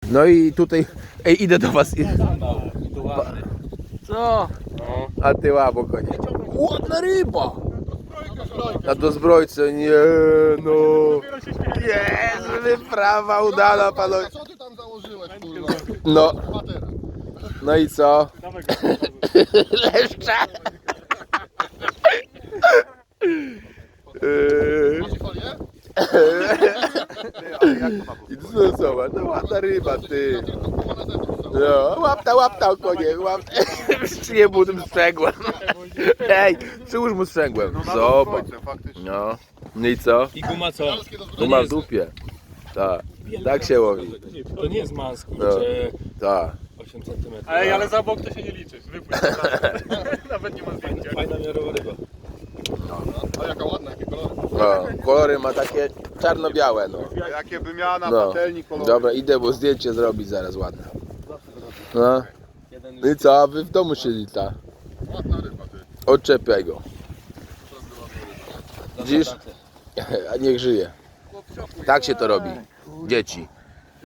No i tutaj, ej, idę do was. Co? A ty łabo konie. Ładna ryba! Na dozbrojce, nie no. Jest, wyprawa udana, panowie. Co ty tam założyłeś, kurwa? No, Patera. no i co? Leszcza! Macie folię? I co, zobacz, no ładna ryba, ty. Tylko połowa na zewnątrz. No, łapta, konie, łapta. Nie był tym sprzęgłem. Ej, przyłóż mu sprzęgłem. Zobacz. No, no i co? I guma co? Tu ma w dupie. Tak, tak się łowi. To nie jest manski, No. czy Tak. 8 cm. Ej, ale za bok to się nie liczy. Wypływ. Nawet nie ma zdjęcia. Fajna miarowa ryba. A jaka ładna, jakie kolory. No, kolory ma takie czarno-białe, no. Jakie wymiana, No. patelni, kolory. Dobra, idę, bo zdjęcie zrobić zaraz ładne. No. No i co, a wy w domu siedzi ta? Ładna ryba, ty. Odczepiaj go. Widzisz? A niech żyje. Tak się to robi. Dzieci.